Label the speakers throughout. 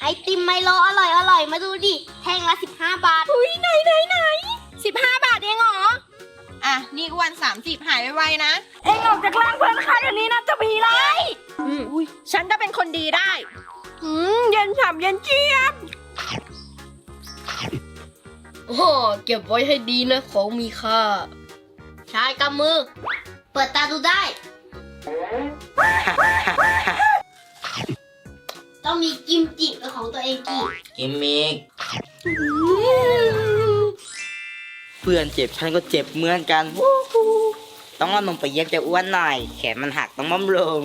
Speaker 1: ติมไมโลอร่อยมาดูดิแท่งละ15 บาทอุ้ยไหน15 บาทเองเหรอ
Speaker 2: อ่ะนี่อ้วน30หายไวๆนะ
Speaker 1: เองออกจากร่างเพื่อนข้าเดี๋ยวนี้นะจะมีไร
Speaker 2: ฉันจะเป็นคนดีได้
Speaker 1: เย็นฉ่ำเย็นเจี๊ยบโอ้เก็บไว้ให้ดีนะของมีค่าชายกำมือเปิดตาดูได้ต้องมีกิมจิเป็นของตัวเอง
Speaker 3: กิมมิกเพื่อนเจ็บฉันก็เจ็บเหมือนกันต้องเอานมไปเย็บจะอ้วนหน่อยแขนมันหักต้องบำรุง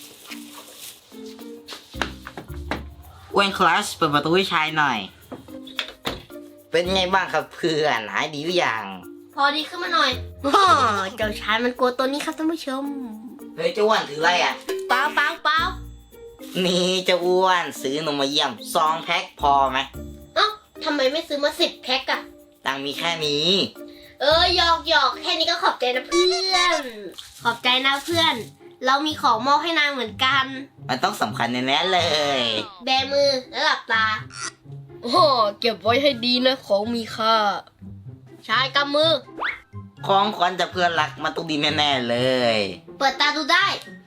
Speaker 3: อ้วนคลาสเปิดประตูให้ชายหน่อยเป็นไงบ้างครับเพื่อนหายดีหรือยัง
Speaker 1: พอดีขึ้นมาหน่อยเจ้าชายมันกลัวตัวนี้ครับท่านผู้ชม
Speaker 3: เฮ้ยเจ้าอ้วนถืออะไรอ่ะ
Speaker 1: เปล่า
Speaker 3: นี่เจ้าอ้วนซื้อนมมาเยี่ยม2 แพ็คพอไหม
Speaker 1: ทำไมไม่ซื้อมา10 แพ็คอะ
Speaker 3: ตังมีแค่นี้
Speaker 1: หยอกแค่นี้ก็ขอบใจนะเพื่อนขอบใจนะเพื่อนเรามีของมอบให้นางเหมือนกัน
Speaker 3: มันต้องสำคัญแน่ๆเลย
Speaker 1: แบมือแล้วหลับตาเก็บไว้ให้ดีนะของมีค่าชายกำมือ
Speaker 3: ของขวัญจากเพื่อนรักมันต้องดีแน่ๆเลย
Speaker 1: เปิดตาดูได้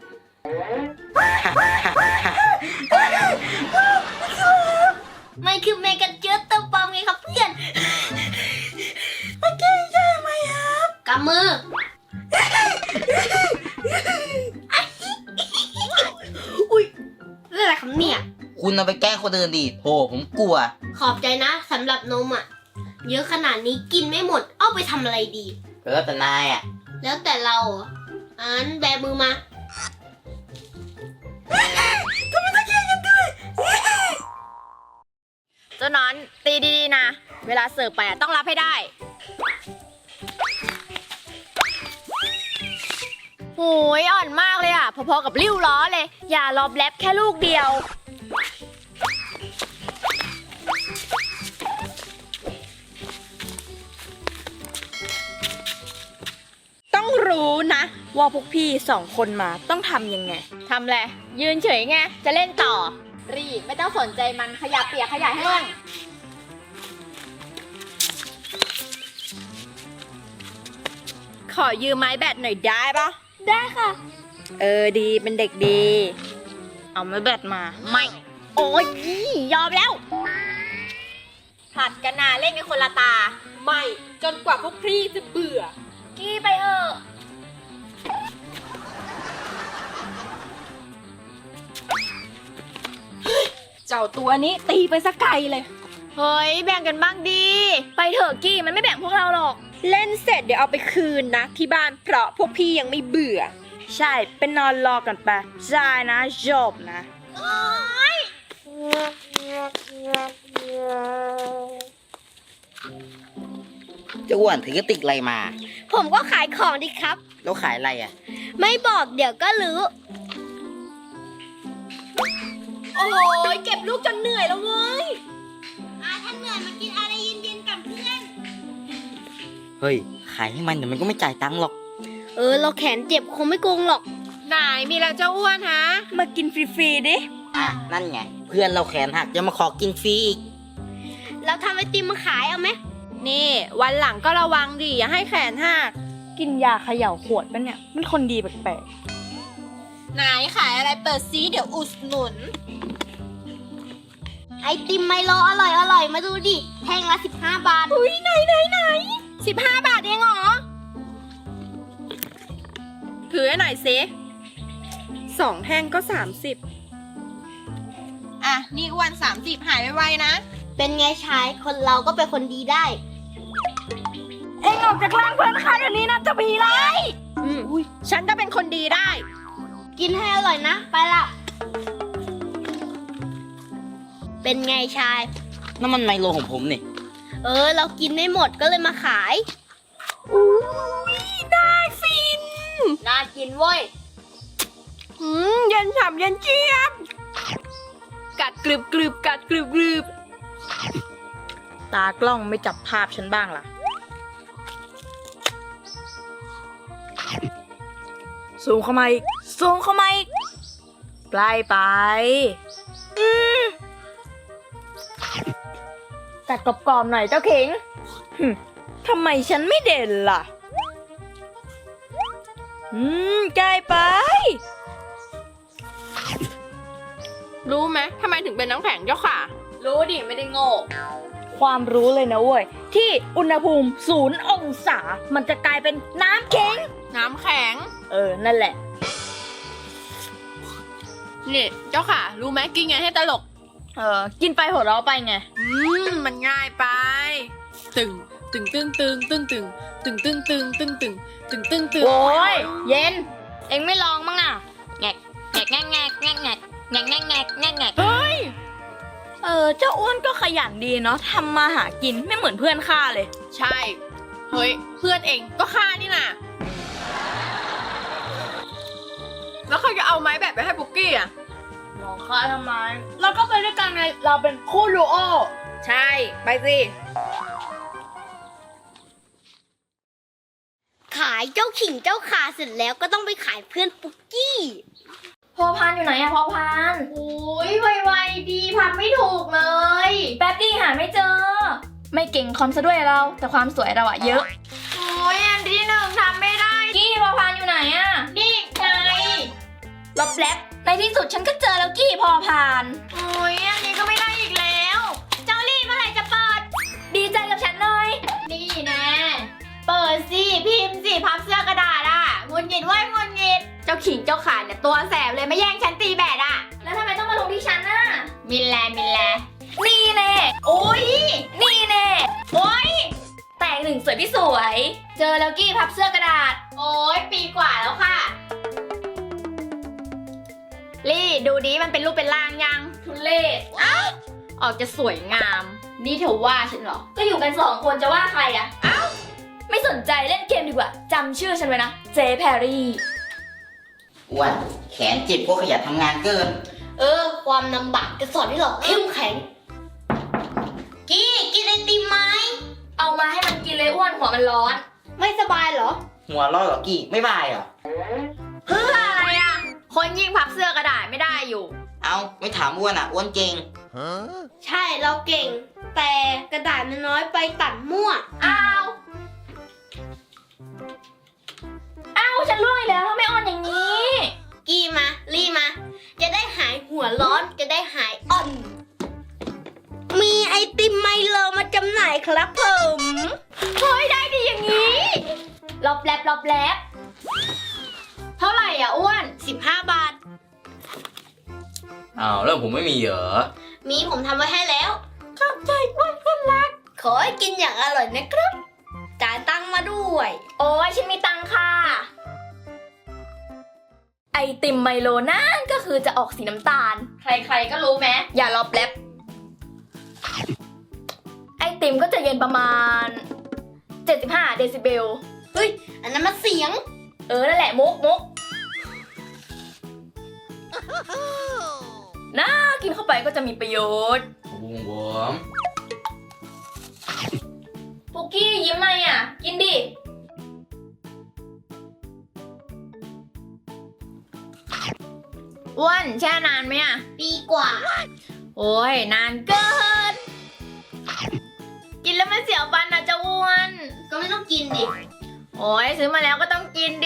Speaker 1: ไม่คือเมกันเจอตัวปลอมไงครับเพื่อน
Speaker 2: โอเคใช่ไหมครับ
Speaker 1: กำมืออุ้ยเรื่องอะไรครับเนี่ย
Speaker 3: คุณเอาไปแกล้งคนอื่นดิโธ่ผมกลัว
Speaker 1: ขอบใจนะสำหรับนมอ่ะเยอะขนาดนี้กินไม่หมดเอาไปทำอะไรดี
Speaker 3: แล้วแต่นายอ่ะ
Speaker 1: แล้วแต่เราแบมือมา
Speaker 2: ทำไมต้องแย่งกันด้วยเจ้าน้อนตีดีๆนะเวลาเสิร์ฟไปต้องรับให้ได้โหยอ่อนมากเลยอ่ะพอๆกับริ้วล้อเลยอย่ารอบแลบแค่ลูกเดียวต้องรู้นะว่าพวกพี่2 คนมาต้องทำยังไงทำแหละยืนเฉยไงจะเล่นต่อรีบไม่ต้องสนใจมันขยะเปียกขยะแห้งขอยืมไม้แบตหน่อยได้ปะ
Speaker 1: ได้ค่ะ
Speaker 2: ดีเป็นเด็กดีเอาไม้แบตมาไม่โอ๊ยยอมแล้วผลัดกันนาเล่นกันคนละตาไม่จนกว่าพวกพี่จะเบื่อกี้ไปเถอะเจ้าตัวนี้ตีไปสักไกลเลยเฮ้ยแบ่งกันบ้างดีไปเถอะกี้มันไม่แบ่งพวกเราหรอกเล่นเสร็จเดี๋ยวเอาไปคืนนะที่บ้านเพราะพวกพี่ยังไม่เบื่อใช่เป็นนอนรอกันไปใช่นะจบนะ
Speaker 3: เจ้าอ้วนถือกระติกอะไรมา
Speaker 1: ผมก็ขายของดิครับ
Speaker 3: แล้วขายอะไรอ่ะ
Speaker 1: ไม่บอกเดี๋ยวก็รู้
Speaker 2: โอ้ยเก็บลูกจนเหนื่อยแล้วเว้ย
Speaker 1: ท่านเหนื่อยมากินอะไรเย็นๆกับเพื่อน
Speaker 3: เฮ้ยขายให้มันเดี๋ยวมันก็ไม่จ่ายตังค์หรอก
Speaker 1: เราแขนเจ็บคงไม่โกงหรอก
Speaker 2: ไหนมีแล้วเจ้าอ้วนฮะมากินฟรีๆดิ
Speaker 3: นั่นไงเพื่อนเราแขนหักจะมาขอกินฟรีอีก
Speaker 1: เราทำไอติมมาขายเอาไหม
Speaker 2: นี่วันหลังก็ระวังดิอย่าให้แขนหักกินยาเขย่าขวดปะเนี่ยมันคนดีแปลกๆไหนขายอะไรเปิดซีเดี๋ยวอุดหนุน
Speaker 1: ไอติมไมโลอร่อยมาดูดิแท่งละ15 บาท
Speaker 2: อุ้ยไหน15 บาทเองเหรอถือให้หน่อยสิ2 แท่งก็30อ่ะนี่อ้วน30หายไวๆนะ
Speaker 1: เป็นไงชายคนเราก็เป็นคนดีได้เอ็งออกจากร่างเพื่อนข้าเดี๋ยวนี้นะจะมีไร
Speaker 2: ฉันจะเป็นคนดีได้
Speaker 1: กินให้อร่อยนะไปละเป็นไงชาย
Speaker 3: นั่นมันไมโลของผมนี่
Speaker 1: เรากินไม่หมดก็เลยมาขาย
Speaker 2: น่าฟิน
Speaker 1: น่ากินเว้ย
Speaker 2: เย็นฉ่ำเย็นเจี๊ยบกัดกรึบกัดกรึบตากล้องไม่จับภาพฉันบ้างล่ะสูงเข้ามาอีกใกล้ไปกัดกรอบๆหน่อยเจ้าขิงทำไมฉันไม่เด่นล่ะใกล้ไป
Speaker 4: รู้ไหมทำไมถึงเป็นน้ำแข็งเจ้าค่ะ
Speaker 2: รู้ดิไม่ได้โง่ ความรู้เลยนะเว้ย ที่อุณหภูมิ0 องศา มันจะกลายเป็นน้ำแข็ง
Speaker 4: น้ำแข็ง
Speaker 2: นั่นแหละ
Speaker 4: นี่เจ้าค่ะ รู้ไหมกินไงให้ตลก
Speaker 2: กินไปหัวเราะไปไง
Speaker 4: มันง่ายไป ตึงตึงตึงตึงตึงตึงตึงตึงตึงตึงตึงตึงตึงตึง
Speaker 2: โอ้ยเย็น เอ็งไม่ลองมั้งอ่ะแงกแงกแงกแงกแงกแงกแงกแงกแงกแงกแงก
Speaker 4: เฮ้ย
Speaker 2: เจ้าอ้วนก็ขยันดีเนาะทำมาหากินไม่เหมือนเพื่อนข้าเลย
Speaker 4: ใช่ เฮ้ย เพื่อนเองก็ฆ่านี่น่ะ แล้วเขาจะเอาไม้แบบไปให้ปุกกี้อ่ะ
Speaker 2: มองข้าทำไม เราก็ไปด้วยกันไง เราเป็นคู่ดูโอ
Speaker 4: ใช่ ไปสิ
Speaker 1: ขายเจ้าขิงเจ้าขาเสร็จแล้วก็ต้องไปขายเพื่อนปุกกี้
Speaker 2: พอพานอยู่ไหนอะพอพาน
Speaker 1: โอ้ยไวๆดีพันไม่ถูกเลย
Speaker 2: แป๊บดี้หาไม่เจอ ไม่เก่งคอมซะด้วยเรา แต่ความสวยเราอะเยอะ
Speaker 4: โอ้ยอันที่หนึ่งทำไม่ได้
Speaker 2: กี้พอพานอยู่ไหนอะ
Speaker 4: นี่ไง
Speaker 2: ลบแล็บในที่สุดฉันก็เจอแล้วกี้พอพาน
Speaker 4: โอ้ยอันนี้ก็ไม่ได้อีกแล้ว
Speaker 1: เจ้าลี่เมื่อไหร่จะเปิด
Speaker 2: ดีใจกับฉันหน่อย
Speaker 4: นี่แน่เปิดสิพิมพ์สิพับเสื้อกระดาษอ่ะงุนงิดไว้งุนงิด เจ้าขิงเจ้าขาเนี่ยตัวแสบเลยไม่แย่งฉันตีแบดอ่ะ
Speaker 2: แล้วทำไมต้องมาลงที่ฉันน่ะ
Speaker 4: มินแลมินแล
Speaker 2: นี่แน่
Speaker 4: โอ้ย
Speaker 2: นี่แน่
Speaker 4: โอ้ย
Speaker 2: แต่งหนึ่งสวยพี่สวย เจอแล้วกี้พับเสื้อกระดาษ
Speaker 4: โอ้ยปีกว่าแล้วค่ะ ลี่ดูดิมันเป็นรูปเป็นร่างยัง
Speaker 2: ทุเลศ
Speaker 4: ออกจะสวยงาม นี่เธอว่าฉันเหรอ
Speaker 2: ก็อยู่กัน2 คนจะว่าใครอะไม่สนใจเล่นเกมดีกว่าจำชื่อฉันไว้นะ เจแพรรี่
Speaker 3: อ้วนแขนเจ็บเพราะขยันทำงานเกิน
Speaker 1: ความลำบากจะสอนให้เราเข้มแข็ง กี้กินไอติมไหม
Speaker 2: เอามาให้มันกินเลยอ้วนหัวมันร้อน
Speaker 1: ไม่สบายเหรอ
Speaker 3: หัวเร้อเหรอกี้ไม่บายเหรอ
Speaker 4: เพื่ออะไรอ่ะ คนยิ่งพับเสื้อกระดาษไม่ได้อยู่
Speaker 3: เอาไม่ถามอ้วนอ่ะอ้วนเก่ง
Speaker 1: ใช่เราเก่ง แต่กระดาษมันน้อยไปตัดมั่ว
Speaker 4: อ้าว
Speaker 2: อ้าวฉันร่วงอีกแล้วทำไมอ่อนอย่างนี้
Speaker 1: กี้มาลี่มา จะได้หายหัวร้อนจะได้หายอ่อน มีไอติมไมโลมาจำหน่ายครับผม
Speaker 4: เฮ้ยได้ดีอย่างนี้
Speaker 2: รอบแลบรอบแลบ
Speaker 4: เท่าไหร่อ่ะอ้วน
Speaker 1: 15 บาท
Speaker 3: อ้าวแล้วผมไม่มีเหรอ
Speaker 1: มีผมทำไว้ให้แล้วขอบใจมากคนรัก ขอให้กินอย่างอร่อยนะครับ จ่ายตังค์มาด้วย
Speaker 2: โอ้ยฉันมีตังค่ะ ไอติมไมโลนั่นก็คือจะออกสีน้ำตาล ใครๆก็รู้ไหมอย่ารอบแลบไอติมก็จะเย็นประมาณ 75 เดซิเบล
Speaker 1: เฮ้ย อันนั้นมันเสียง
Speaker 2: นั่นแหละมุกน่ากินเข้าไปก็จะมีประโยชน์
Speaker 3: บุ้งบวม
Speaker 2: ปุกกี้ยิ้มไหมอ่ะ กินดิ
Speaker 4: อ้วนแช่นานไหมอ่ะ
Speaker 1: ปีกว่า
Speaker 4: โอ้ยนานเกิน กินแล้วมันเสียวฟันนะเจ้าอ้วน
Speaker 1: ก็ไม่ต้องกินดิ
Speaker 4: โอ้ยซื้อมาแล้วก็ต้องกินดิ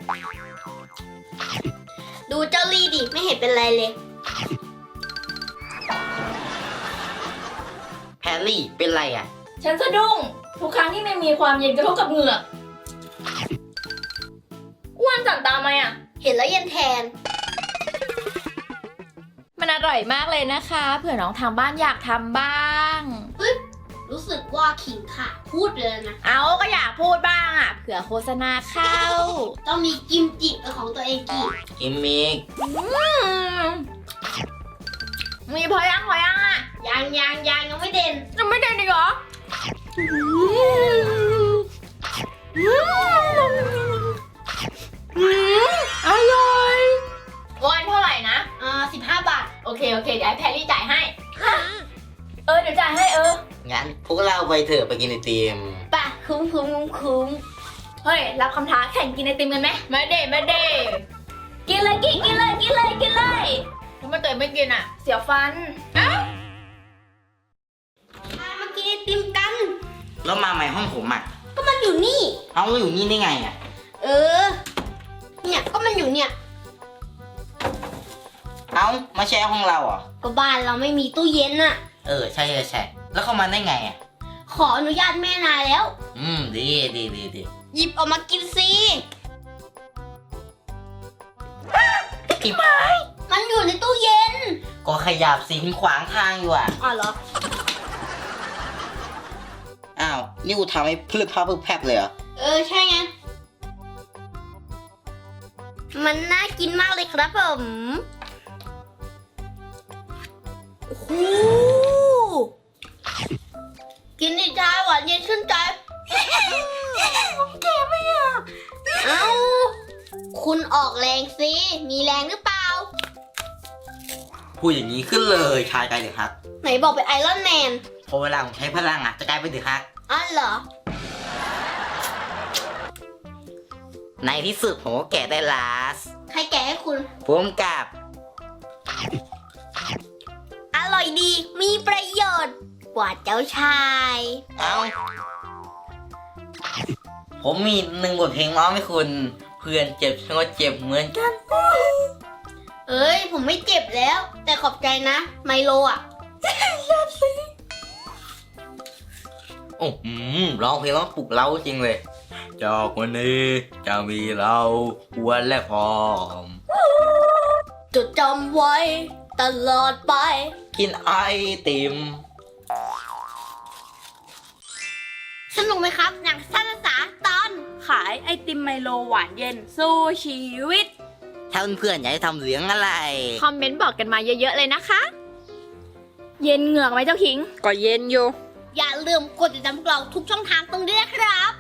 Speaker 1: ดูเจ้าลี่ดิ ไม่เห็นเป็นไรเลย
Speaker 3: แพรรี่เป็นไรอ่ะ
Speaker 2: ฉันสะดุ้งทุกครั้งที่ไม่มีความเย็นกระทบกับเหงือกอ้วนสั่นตามไหมอ่ะ
Speaker 1: เห็นแล้วเย็นแทน
Speaker 4: มันอร่อยมากเลยนะคะ เผื่อน้องทางบ้านอยากทำบ้าง
Speaker 1: รู้สึกว่าขิงขาดพูดไปแล้วนะ
Speaker 4: เอาก็อยากพูดบ้างอ่ะ เผื่อโฆษณาเข้า
Speaker 1: ต้องมีกิมจิเป็นของตัวเองกี่
Speaker 3: กิมมิก
Speaker 4: มีพอยังอ่ะ
Speaker 1: ยังไม่เด่น
Speaker 4: ยังไม่ได้ดีเหรอ อร่อยวันเท่าไหร่นะ
Speaker 1: 15 บาท
Speaker 4: โอเค เดี๋ยวให้แพรรี่จ่ายให้
Speaker 2: เดี๋ยวจ่ายให้
Speaker 3: งั้นพวกเราไปเถอะไปกินไอติม
Speaker 1: ป่ะ คุ้ม
Speaker 2: เฮ้ย รับคำท้าแข่งกินไอติมกันไหม
Speaker 4: ไม่เด้
Speaker 2: กินเลยกินเลย
Speaker 4: ทำไมเตยไม่กินอ่ะ
Speaker 2: เสียวฟัน
Speaker 3: แล้วมาใหม่ห้องผมอ่ะ
Speaker 1: ก็มันอยู่นี่
Speaker 3: เอาแล้วอยู่นี่ได้ไงอ่ะ
Speaker 1: เออ เนี่ยก็มันอยู่เนี่ย
Speaker 3: เอามาแชร์ห้องเราเหรอ่ะ
Speaker 1: ก็บ้านเราไม่มีตู้เย็นน่ะ
Speaker 3: ใช่แล้วเข้ามาได้ไงอ่ะ
Speaker 1: ขออนุญาตแม่นายแล้ว
Speaker 3: ดี
Speaker 1: หยิบออกมากินสิ
Speaker 3: พี่ไม้
Speaker 1: มันอยู่ในตู้เย็น
Speaker 3: ก็ขยับสิคุณขวางทางอยู่อ่ะ
Speaker 1: อ๋อเหรอ
Speaker 3: อ้าว นี่กูทำให้พลึบพลับพลึบแพบเลยเหรอ
Speaker 1: ใช่ไง มันน่ากินมากเลยครับผมโอ้โหกินดิจ้าหวานเย็นชื่นใจแกไม่อยากเอ้า คุณออกแรงสิ มีแรงหรือเปล่า
Speaker 3: พูดอย่างนี้ขึ้นเลยชายกลายเป็นฮัก
Speaker 1: ไหนบอกเป็นไอรอนแมน
Speaker 3: พอเวลาผมใช้พลังอ่ะจะกลายเป็นเดือดฮัก
Speaker 1: อ๋อเหรอ
Speaker 3: ในที่สุดผมก็แกะได้ลาส
Speaker 1: ใครแกะให้คุณ
Speaker 3: ผมกับ
Speaker 1: อร่อยดี มีประโยชน์ กว่าเจ้าชาย
Speaker 3: เอาผมมี1 บทเพลงร้องให้คุณ เพื่อนเจ็บฉันก็เจ็บเหมือนกัน
Speaker 1: เอ้ย ผมไม่เจ็บแล้ว แต่ขอบใจนะ ไมโลอ่ะ
Speaker 3: โอ้ร้องเพลงร้องปลุกเราจริงเลยจากวันนี้จะมีเราอ้วนและผอม
Speaker 1: จดจำไว้ ตลอดไป
Speaker 3: กินไอติม
Speaker 1: สนุกไหมครับ หนังสั้นภาษาตอน
Speaker 2: ขายไอติมไมโลหวานเย็นสู้ชีวิต
Speaker 3: ถ้าเพื่อนๆอยากให้ทำเสียงอะไร
Speaker 2: คอมเมนต์บอกกันมาเยอะๆเลยนะคะ เย็นเหงือกไหมเจ้าขิง ก็เย็นอยู่
Speaker 1: อย่าลืมกดติดตามพวกเราทุกช่องทางตรงนี้นะครับ